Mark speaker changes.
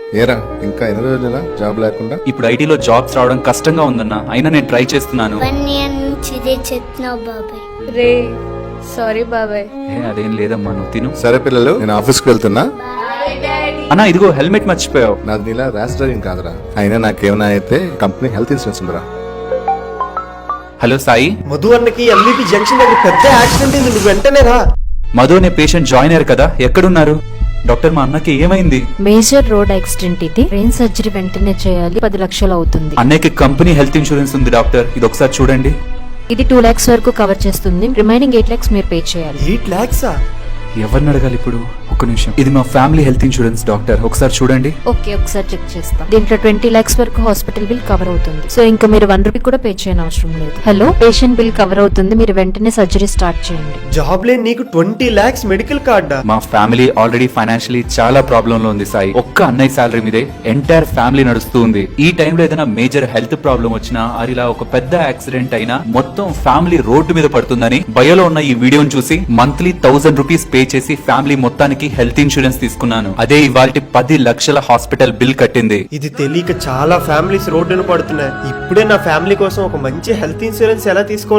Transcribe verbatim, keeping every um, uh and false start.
Speaker 1: ఏరా ఇంకా ఎన్ని రోజుల జాబ్ లేకుండా?
Speaker 2: ఇప్పుడు ఐటీలో జాబ్స్ రావడం కష్టంగా ఉందన్న, అయినా నేను ట్రై చేస్తున్నాను.
Speaker 3: వన్ ఇయర్ నుంచి ఇదే చెప్తున్నావు బాబాయ్.
Speaker 4: రే సారీ బాబాయ్.
Speaker 2: ఏ, అదేం లేదమ్మా, నువ్వు తిను.
Speaker 1: సరే పిల్లలు, నేను ఆఫీస్కి వెళ్తున్నా.
Speaker 2: అన్నా ఇదిగో హెల్మెట్ మర్చిపోయావు.
Speaker 1: నాది నీలా ర్యాష్ డ్రైవింగ్ కాదురా, అయినా నాకేమైనా అయితే కంపెనీ హెల్త్ ఇన్సూరెన్స్ ఉందిరా.
Speaker 2: హలో సాయి,
Speaker 5: మధు అన్నకి ఎంబీపీ జంక్షన్ దగ్గర పెద్ద యాక్సిడెంట్ అయింది, నువ్వు వెంటనే రా.
Speaker 2: మధు అనే పేషెంట్ జాయిన్ అయ్యారు కదా, ఎక్కడున్నారు? డాక్టర్ మా అన్నకి ఏమైంది?
Speaker 6: మేజర్ రోడ్ యాక్సిడెంట్ ఇది, బ్రెయిన్ సర్జరీ వెంటనే చేయాలి, పది లక్షలు అవుతుంది.
Speaker 2: అన్నయ్యకి కంపెనీ హెల్త్ ఇన్సూరెన్స్ ఉంది డాక్టర్, ఇది ఒకసారి చూడండి.
Speaker 6: ఇది టూ లాక్స్ వరకు కవర్ చేస్తుంది, రిమైనింగ్ ఎయిట్ లాక్స్ మీరు పే చేయాలి.
Speaker 5: ఎయిట్ లాక్సా?
Speaker 2: ఎవరిని అడగాలి ఇప్పుడు? ఒక్క నిమిషం, ఇది మా ఫ్యామిలీ హెల్త్ ఇన్సూరెన్స్ డాక్టర్, ఒకసారి చూడండి.
Speaker 6: ఓకే, ఒకసారి చెక్ చేస్తాం. దీంట్లో ట్వంటీ లాక్స్ వరకు హాస్పిటల్ బిల్ కవర్ అవుతుంది, సో ఇంకా మీరు వన్ రూపీ కూడా పే చేయని అవసరం లేదు. హలో, పేషెంట్ బిల్ కవర్ అవుతుంది, మీరు వెంటనే సర్జరీ స్టార్ట్ చేయండి.
Speaker 5: జాబ్ లేని నీకు ట్వంటీ లాక్స్ మెడికల్ కార్డా?
Speaker 2: మా ఫ్యామిలీ ఆల్రెడీ ఫైనాన్షియలీ చాలా ప్రాబ్లం లో ఉంది సాయి. ఒక్క అన్నయ్య సాలరీ మీదే ఎంటైర్ ఫ్యామిలీ నడుస్తూ ఉంది. ఈ టైంలో ఏదైనా మేజర్ హెల్త్ ప్రాబ్లం వచ్చినా, అది ఇలా ఒక పెద్ద యాక్సిడెంట్ అయినా మొత్తం ఫ్యామిలీ రోడ్డు మీద పడుతుందని బయోలో ఉన్న ఈ వీడియోని చూసి మంత్లీ థౌసండ్ రూపీస్ పే చేసి ఫ్యామిలీ మొత్తానికి హెల్త్ ఇన్సూరెన్స్ తీసుకున్నాను. అదే ఇవాల్టి పది లక్షల హాస్పిటల్ బిల్ కట్టింది.
Speaker 5: ఇది తెలియక చాలా ఫ్యామిలీస్ రోడ్డున పడుతున్నాయి. ఇప్పుడే నా ఫ్యామిలీ కోసం ఒక మంచి హెల్త్ ఇన్సూరెన్స్ ఎలా తీసుకో